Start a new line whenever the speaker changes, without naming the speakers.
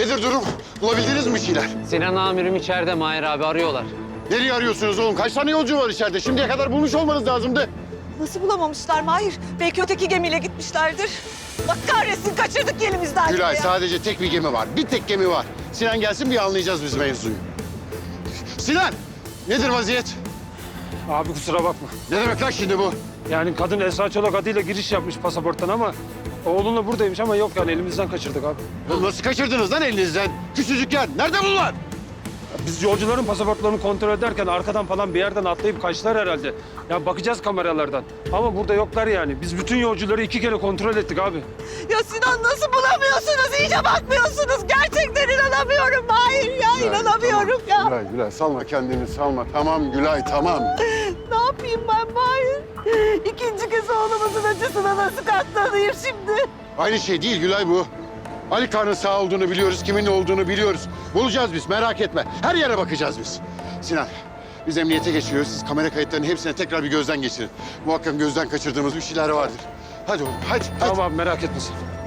Nedir durum? Bulabildiniz mi bir şeyler?
Sinan amirim içeride Mahir abi arıyorlar.
Nereye arıyorsunuz oğlum? Kaç tane yolcu var içeride? Şimdiye kadar bulmuş olmanız lazımdı.
Nasıl bulamamışlar Mahir? Belki öteki gemiyle gitmişlerdir. Bak kahretsin kaçırdık elimizden.
Gülay
ya.
sadece tek bir gemi var. Bir tek gemi var. Sinan gelsin bir anlayacağız biz mevzuyu. Sinan! Nedir vaziyet?
Abi kusura bakma.
Ne demek lan şimdi bu?
Yani kadın Esra Çolak adıyla giriş yapmış pasaporttan ama oğlunla buradaymış ama yok yani elimizden kaçırdık abi.
Oğlum nasıl kaçırdınız lan elinizden? Küçücükken. Nerede bunlar?
Biz yolcuların pasaportlarını kontrol ederken arkadan falan bir yerden atlayıp kaçtılar herhalde. Ya bakacağız kameralardan. Ama burada yoklar yani. Biz bütün yolcuları 2 kere kontrol ettik abi.
Ya Sinan nasıl bulamıyorsunuz? İyice bakmıyorsunuz. Gerçekten inanamıyorum Mahir ya. İnanamıyorum ya.
Gülay, Gülay salma kendini salma. Tamam Gülay tamam.
Ne yapayım ben Mahir? İkinci kez oğlumuzun acısına nasıl katlanayım şimdi?
Aynı şey değil Gülay bu. Ali Kağan'ın sağ olduğunu biliyoruz, kimin olduğunu biliyoruz. Bulacağız biz, merak etme. Her yere bakacağız biz. Sinan, biz emniyete geçiyoruz. Siz kamera kayıtlarının hepsine tekrar bir gözden geçirin. Muhakkak gözden kaçırdığımız bir şeyler vardır. Hadi oğlum, hadi.
Tamam abi merak etme sen.